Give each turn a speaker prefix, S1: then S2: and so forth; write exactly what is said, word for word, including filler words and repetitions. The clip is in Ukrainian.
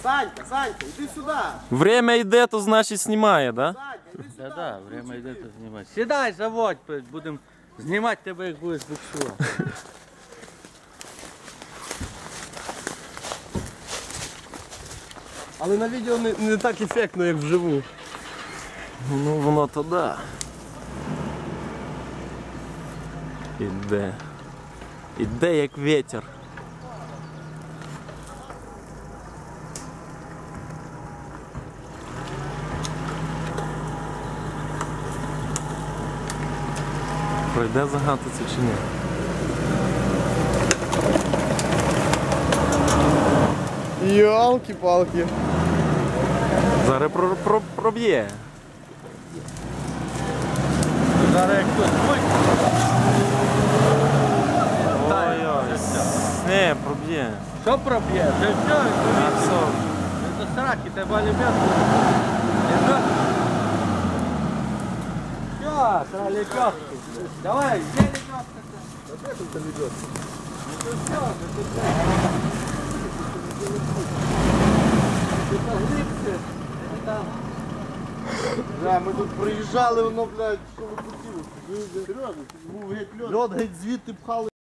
S1: Санька, Санька, іди сюди.
S2: Время йде, то значить знімає, да?
S1: Санька, іди сюди.
S3: Да, да, время йде, то знімати. Сідай, заводь, будемо знімати тебе, як будеш буксувати.
S1: Але на відео не, не так ефектно, як вживу.
S2: Ну воно то да. Іде. Іде як вітер. Пройде загати це чи ні?
S1: Йолки-палки.
S2: Зараз про, про, проб'є.
S3: Зараз як хтось будь.
S2: Ой-ой. Не, проб'є.
S3: Що проб'є? Це все,
S2: А все.
S3: це сраки, тебе любят. Все, це лепешки. Давай, где лепешка?
S1: Де тут лебедка?
S3: Ну все, це все. Це глибше. Там.
S1: Да, ми тут приїжджали, воно, блядь, що ви хотіли? Серйозно, був геть льод. Льод геть звідти пхали.